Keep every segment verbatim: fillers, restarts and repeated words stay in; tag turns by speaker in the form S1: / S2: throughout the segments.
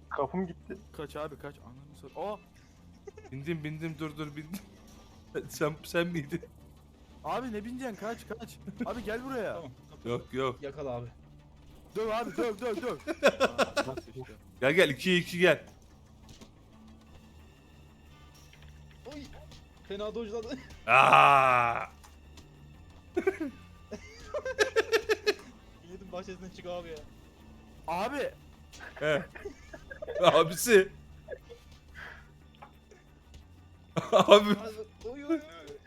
S1: Kapım gitti.
S2: Kaç abi kaç. Ananı sor. Aa.
S3: Bindim bindim dur dur bindim. sen sen miydin?
S2: Abi ne bineceksin kaç kaç. Abi gel buraya.
S4: Tamam.
S3: Yok yok.
S4: Yakala abi.
S2: Döv abi döv döv döv. Aa, nasıl işte.
S3: Gel gel ikiye iki gel.
S4: Oy. Fena dojladı.
S3: Aa!
S4: Yedim bahçesinden çık abi ya.
S2: Abi.
S3: He. Abisi. Abi
S4: Oy oy oy.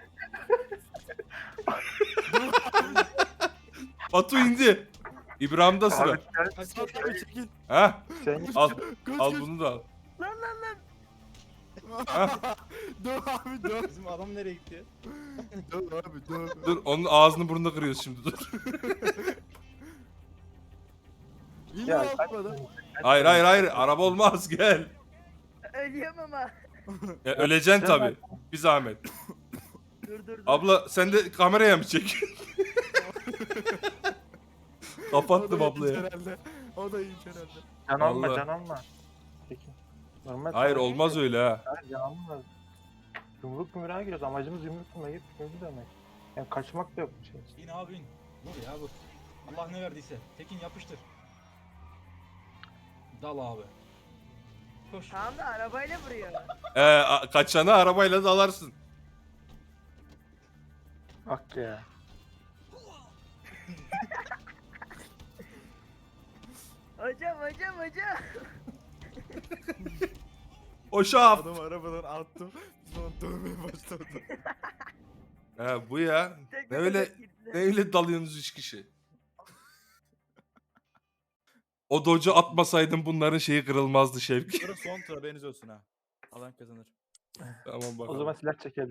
S3: Batu indi. İbrahim'de sıra.
S1: Abi sen,
S4: Hadi
S2: Sat
S4: koş.
S2: abi çekil.
S3: Ha?
S1: sen
S3: Al
S2: Kaç
S3: al
S2: kaç.
S3: bunu da al.
S2: Döv abi döv.
S4: Bizim adam nereye gitti?
S2: Döv abi döv.
S3: Dur onun ağzını burnunu kırıyoruz şimdi dur.
S2: İyi
S1: Ya,
S2: yapmadı.
S3: Hayır hayır hayır araba olmaz gel.
S5: Ölüyorum ama.
S3: Ya, öleceksin tabi. Bir zahmet.
S5: Dur dur dur.
S3: Abla sen de kameraya mı çek?
S2: O
S3: Kapattım
S2: da
S3: ablaya.
S2: iyiymiş herhalde. O da iyiymiş herhalde.
S1: can alma
S3: Vallahi.
S1: can alma. Peki. Normal.
S3: Hayır olmaz öyle ha.
S1: Hayır can alma. Yumruk yumruğa giriyoruz. Amacımız yumruk yumruğa gidip yumruk demek. Yani kaçmak da yok bir şey.
S4: İn abi in. Dur ya bu. Allah ne verdiyse. Tekin yapıştır. Dal abi. Koş.
S5: Tamam da arabayla vuruyor.
S3: Ee, a- kaçana arabayla dalarsın.
S1: Bak ya.
S5: Hocam hocam hocam.
S3: O şaf.
S2: Adamı arabadan attım. Sonra dövmeye başladı.
S3: He bu ya.
S5: Tek
S3: Ne
S5: bir
S3: öyle
S5: tek girdiler.
S3: ne öyle dalıyorsunuz üç kişi. O docu atmasaydın bunların şeyi kırılmazdı Şevki.
S2: Sonra son tur haberiniz olsun ha. Alan kazanır.
S3: Tamam bakalım.
S1: O zaman silah çekelim.